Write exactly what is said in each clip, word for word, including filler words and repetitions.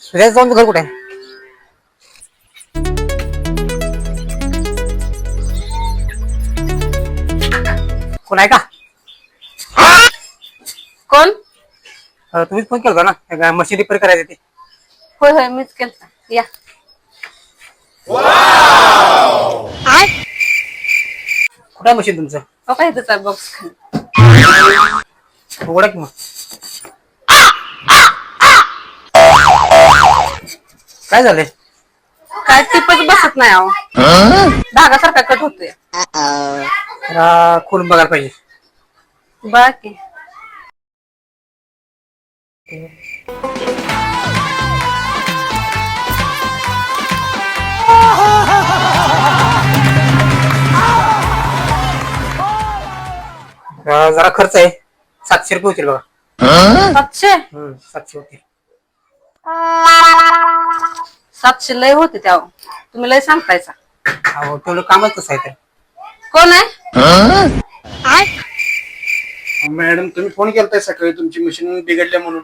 सुजाता जाऊन घर कुठे आहे? कोण आहे का? कोण? अं, तुम्हीच फोन केला होता ना मशीन रिपेअर करायची ती. होय होय मीच केलता या. कुठं आहे मशीन तुमचं? हो काय त्याचा बॉक्स खाली. उघडा की मग. काय झालंय? काय टिपच बसत नाही अहो. धागासारखा कट होतोय. जरा खोलून बघायला पाहिजे. बाकी अं, जरा खर्च आहे. सातशे रुपये होतील बघा. सातशे हम्म, सातशे होतील. सातशे लय होते त्या तुम्ही लय सांगतायचा. अहो तेवढं कामच तसं आहे तर. कोण आहे? मॅडम तुम्ही फोन केलताय सकाळी तुमची मशीन बिघडल्या म्हणून.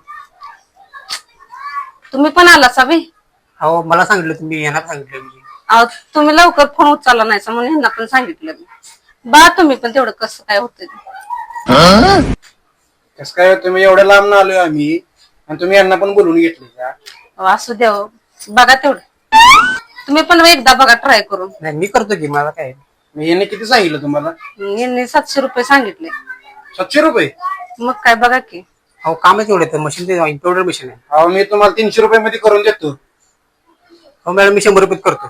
तुम्ही पण आला साबी. अहो मला सांगितलं तुम्ही येणार सांगितलं मी. अहो तुम्ही लवकर फोन उचलला नाही म्हणून ह्यांना पण सांगितलं मी. बा तुम्ही पण तेवढं कसं काय होतंय ते. कसं काय तुम्ही एवढ्या लांब ना आलोय आम्ही आणि तुम्ही यांना पण बोलवून घेतले का? अहो, असू द्या हो. बघा तेवढं तुम्ही पण एकदा बघा ट्राय करून. नाही मी करतो की मला काय. मी यांनी किती सांगितलं तुम्हाला? यांनी सातशे रुपये सांगितले. सातशे रुपये? मग काय बघा की. अहो कामच एवढं तर मशीन ते इम्पोर्टर मशीन आहे. अहो मी तुम्हाला तीनशे रुपये मध्ये करून देतो. हो मॅडम मी शंभर रुपये करतो.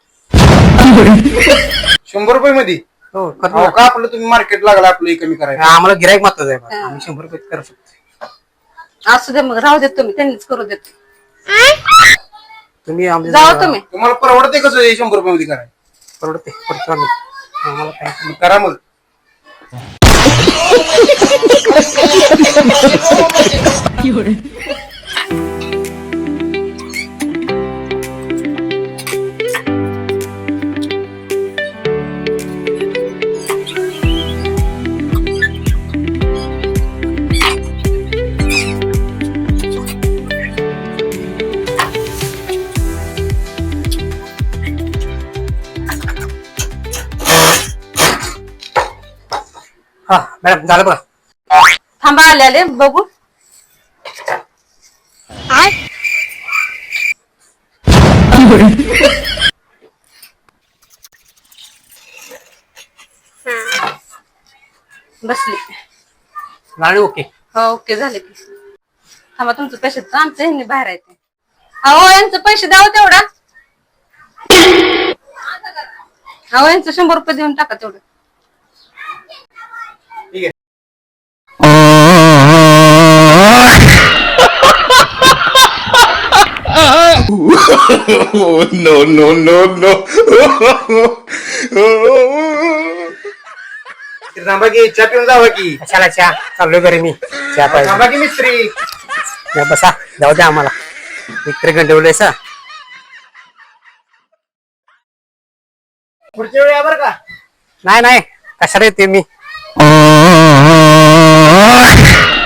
शंभर रुपये मध्ये? हो करतो अहो ना. का आपलं तुम्ही मार्केट लागला आपलं कमी करायला. आम्हाला गिरायक महत्वाचं आहे बघा. आम्ही शंभर रुपये करू शकतो. असू दे मग राहू देत तुम्ही त्यांनीच करू देत. तुम्ही आमच्या जाऊ तुम्ही. तुम्हाला परवडते कसं हे शंभर रुपये मध्ये करायला? परवडते करतो आम्ही. आम्हाला काय मग करा मग. हा मॅडम झालं बघा. थांबा आले आले बघू. बसली. गाडी ओके. हो ओके झाले की. थांबा तुमचं पैसे आमचं ह्यांनी बाहेर आहे ते. अहो यांचं पैसे द्यावं तेवढा. अहो यांचं शंभर रुपये देऊन टाका तेवढं. ठीक आहे. no, no, no, no. थांबा की चहा पिऊन जावा की. कशाला चहा चाललोय घरी मी चहा पाहिजे. थांबा की मिस्त्री. या बसा जाऊ द्या आम्हाला मित्र गंडवलंय सा. पुढच्या वेळी या बरं का. नाही नाही कशाला येते मी.